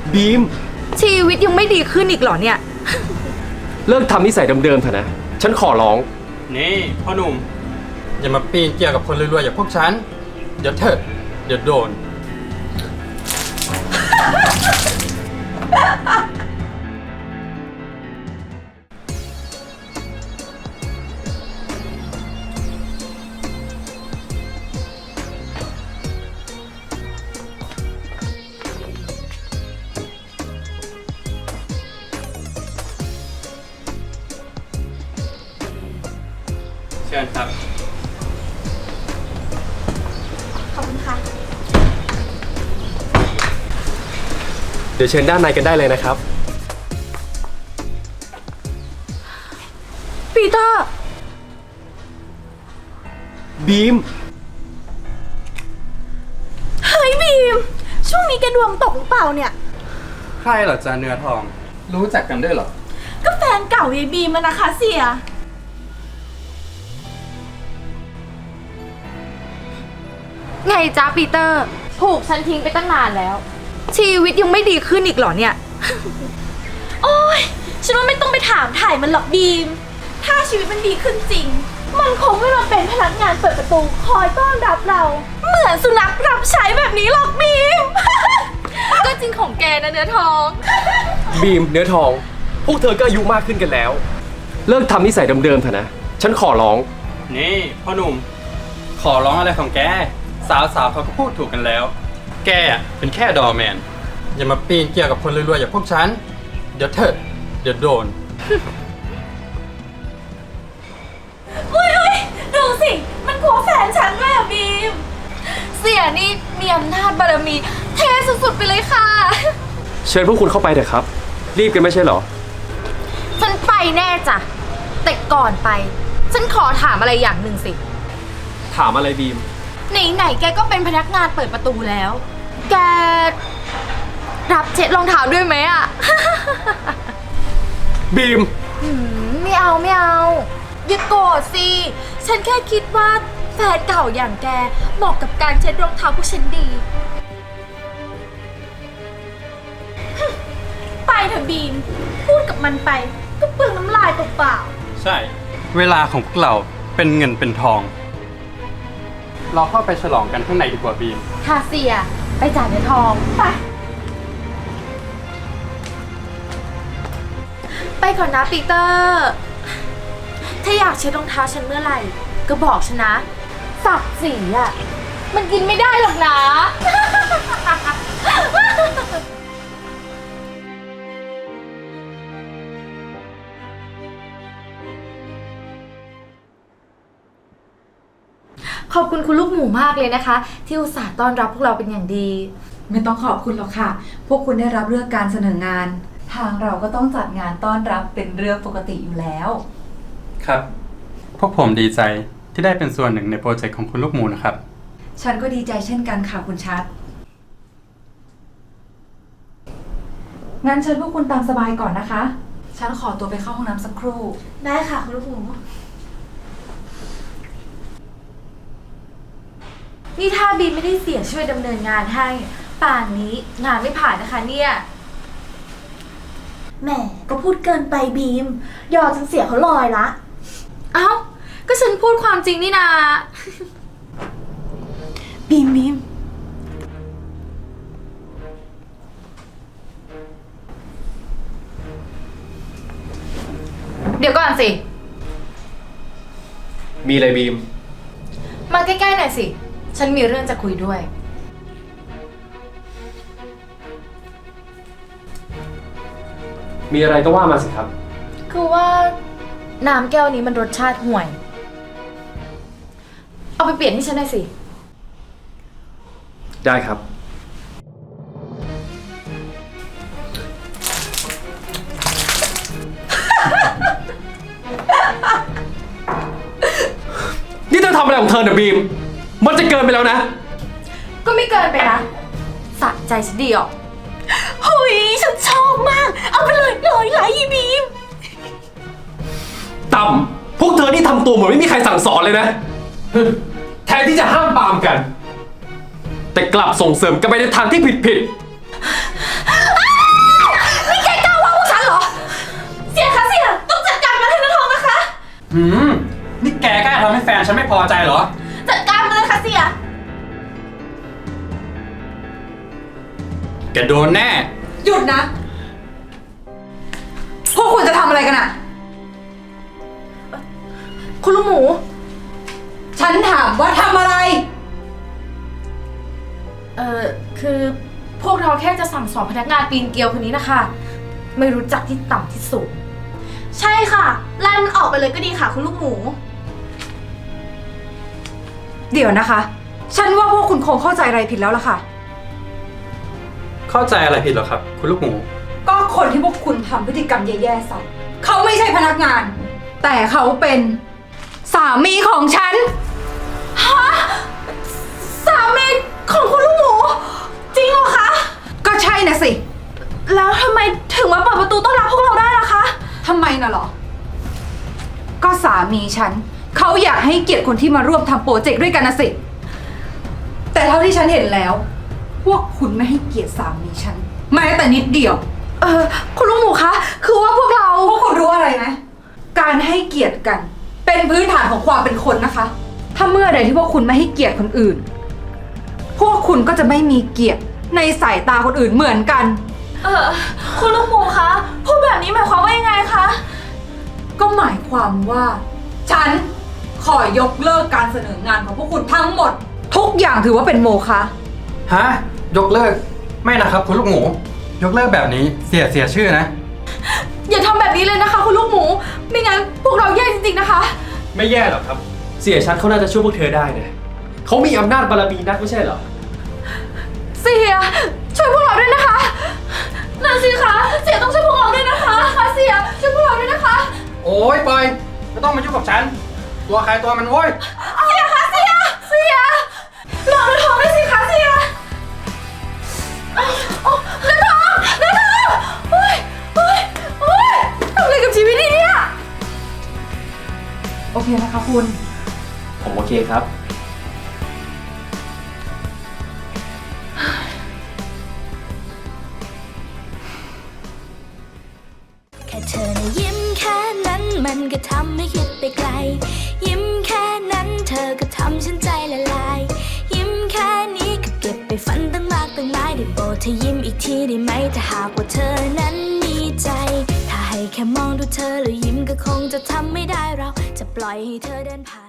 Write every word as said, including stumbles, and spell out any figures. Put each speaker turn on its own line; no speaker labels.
บีม
ชีวิตยังไม่ดีขึ้นอีกเหรอเนี่ย
เลิกทำนิสัยเดิมๆเถอะนะฉันขอร้อง
นี่พ่อหนุ่มอย่ามาปีนเกี่ยวกับคนรวยๆอย่างพวกฉันเดี๋ยวเถอะเดี๋ยวโดน เชิญครับ
ขอบคุณค่ะ
เดี๋ยวเชิญด้านในกันได้เลยนะครับ
ปีเตอร์
บีม
เฮ้ยบีม ช่วงนี้แกดวงตกหรือเปล่าเนี่ย
ใครเหรอจ๊ะเนื้อทอง รู้จักกันด้วยเหรอ
ก็แฟนเก่ายายบีมมันนะคะเสีย ไงจ๊ะปีเตอร์ ถูกฉันทิ้งไปตั้งนานแล้ว ชีวิตยังไม่ดีขึ้นอีกเหรอเนี่ย โอ้ยฉันว่าไม่ต้องไปถามถ่ายมันหรอกบีม ถ้าชีวิตมันดีขึ้นจริง มันคงไม่มาเป็นพนักงานเปิดประตูคอยต้อนรับเรา เหมือนสุนัขรับใช้แบบนี้หรอกบีม ก็จริงของแกนะเนื้อทอง
บีมเนื้อทอง พวกเธอก็อายุมากขึ้นกันแล้ว เลิกทำนิสัยเดิมๆเถอะนะฉันขอร้อง
นี่พ่อหนุ่ม ขอร้องอะไรของแก สาวๆเขาก็พูดถูกกันแล้ว แกอะเป็นแค่ดอร์แมน อย่ามาปีนเกี่ยวกับคนรวยๆอย่างพวกฉันเดี๋ยวเถอะเดี๋ยวโดน
อุ้ยอุ้ยดูสิ มันกลัวแฟนฉันเลยอะบีม เสียนี่มีอำนาจบารมี เทสุดๆไปเลยค่ะ
เชิญพวกคุณเข้าไปเถอะครับ รีบกันไม่ใช่เหรอ
ฉันไปแน่จ้ะ แต่ก่อนไป ฉันขอถามอะไรอย่างหนึ่งสิ
ถามอะไรบีม
ไหนๆแกก็เป็นพนักงานเปิดประตูแล้ว แก รับเช็ดรองเท้าด้วยไหมอะ
บีม
หืมไม่เอาไม่เอา อย่าโกรธสิ ฉันแค่คิดว่าแฟนเก่าอย่างแกเหมาะกับการเช็ดรองเท้าพวกฉันดี ไปเถอะบีม พูดกับมันไป ก็เปลืองน้ำลายเปล่า
ใช่ เวลาของพวกเราเป็นเงินเป็นทอง เราเข้าไปฉลองกันข้างในดีกว่าบีม
ๆค่ะเสีย ไปจ่ายเนื้อทอง ไป ไปก่อนนะปีเตอร์ ถ้าอยากเช็ดรองเท้าฉันเมื่อไหร่ ก็บอกฉันนะศักดิ์ศรีอ่ะ มันกินไม่ได้หรอกนะ ขอบคุณคุณลูกหมูมากเลยนะคะ ที่อุตส่าห์ต้อนรับพวกเราเป็นอย่างดี
ไม่ต้องขอบคุณหรอกค่ะ พวกคุณได้รับเลือกการเสนองาน ทางเราก็ต้องจัดงานต้อนรับเป็นเรื่องปกติอยู่แล้ว
ครับ พวกผมดีใจที่ได้เป็นส่วนหนึ่งในโปรเจกต์ของคุณลูกหมูนะครับ
ฉันก็ดีใจเช่นกันค่ะคุณชัด งั้นเชิญพวกคุณตามสบายก่อนนะคะ ฉันขอตัวไปเข้าห้องน้ำสักครู่
ได้ค่ะคุณลูกหมู นี่ถ้าบีมไม่ได้เสียช่วยดำเนินงานให้ ป่านนี้งานไม่ผ่านนะคะเนี่ยแหมก็พูดเกินไปบีม ยอจนเสียเขาลอยละ เอ้า ก็ฉันพูดความจริงนี่นา บีมบีม เดี๋ยวก่อนสิ
มีอะไรบีม
มาใกล้ๆหน่อยสิ ฉันมีเรื่องจะคุยด้วย
มีอะไรก็ว่ามาสิครับ
คือว่าน้ำแก้วนี้มันรสชาติห่วย เอาไปเปลี่ยนให้ฉันหน่อยสิ
ได้ครับ นี่เธอทำอะไรของเธอเนี่ยบีม มันจะเกินไปแล้วนะ
ก็ไม่เกินไปนะสะใจฉันดีออกเฮ้ยฉันชอบมาก เอาไปเลยร้อยไลค์ยีบีม
ต่ำ พวกเธอนี่ทำตัวเหมือนไม่มีใครสั่งสอนเลยนะ แทนที่จะห้ามปรามกัน แต่กลับส่งเสริมกันไปในทางที่ผิดผิดๆ
หืม นี่แกกล้าทำให้แฟนฉันไม่พอใจเหรอ
จัดการมันเลยค่ะเสีย
แกโดนแน่
หยุดนะ พวกคุณจะทำอะไรกันอะ
คุณลูกหมู
ฉันถามว่าทำอะไร
เอ่อ คือพวกเราแค่จะสั่งสอนพนักงานปีนเกลียวคนนี้นะคะ ไม่รู้จักที่ต่ำที่สูง ใช่ค่ะ ไล่มันออกไปเลยก็ดีค่ะคุณลูกหมู
เดี๋ยวนะคะ ฉันว่าพวกคุณคงเข้าใจอะไรผิดแล้วล่ะค่ะ
เข้าใจอะไรผิดเหรอครับ คุณลูกหมู
ก็คนที่พวกคุณทำพฤติกรรมแย่ๆใส่เขาไม่ใช่พนักงาน แต่เขาเป็นสามีของฉัน
สามีของคุณลูกหมู จริงเหรอคะ
ก็ใช่นะสิ
แล้วทำไมถึงมาเปิดประตูต้อนรับพวกเราได้ล่ะคะ
ทำไมน่ะหรอ ก็สามีฉันเขาอยากให้เกียรติคนที่มาร่วมทำโปรเจกต์ด้วยกันนะสิ แต่เท่าที่ฉันเห็นแล้ว พวกคุณไม่ให้เกียรติสามีฉันแม้แต่นิดเดียว
เออคุณลูกหมูคะ คือว่าพวกเรา
พวกคุณรู้อะไรไหมการให้เกียรติกัน เป็นพื้นฐานของความเป็นคนนะคะ ถ้าเมื่อใดที่พวกคุณไม่ให้เกียรติคนอื่น พวกคุณก็จะไม่มีเกียรติในสายตาคนอื่นเหมือนกัน
เออคุณลูกหมูคะ พูดแบบนี้หมายความว่ายังไงคะ
ก็หมายความว่า ฉันขอยกเลิกการเสนองานของพวกคุณทั้งหมด ทุกอย่างถือว่าเป็นโมฆะ
ฮะ ยกเลิก ไม่นะครับ คุณลูกหมู ยกเลิกแบบนี้เสียเสียชื่อนะ
อย่าทำแบบนี้เลยนะคะ คุณลูกหมู ไม่งั้นพวกเราแย่จริงๆนะคะ
ไม่แย่หรอกครับ เสียชัดเขาน่าจะช่วยพวกเธอได้นะเขามีอำนาจบารมีนักไม่ใช่เหรอ
เสียช่วยพวกเราด้วยนะคะนั่นสิคะเสียต้องช่วยพวกเราด้วยนะคะค่ะเสียช่วยพวกเราด้วยนะคะ
โอ้ยปอยไม่ต้องมายุ่งกับฉัน ตัวใครตัวมันโว้ย
เสียคะเสียเสียรอเนื้อทองด้วยสิคะเสียโอ้เนื้อทองเนื้อทองโอ้ยโอ้ยโอ้ยทำอะไรกับชีวิตนี่เนี่ย
โอเคนะคะคุณ
ผมโอเคครับ
แค่เธอนะยิ้มแค่นั้นมันก็ทำให้คิดไปไกล ยิ้มแค่นั้นเธอก็ทำฉันใจละลาย ยิ้มแค่นี้ก็เก็บไปฝันตั้งมากตั้งหลายได้โปรดเธอยิ้มอีกทีได้ไหมถ้าหากว่าเธอนั้นมีใจ ถ้าให้แค่มองดูเธอแล้วยิ้มก็คงจะทำไม่ได้เราจะปล่อยให้เธอเดินผ่าน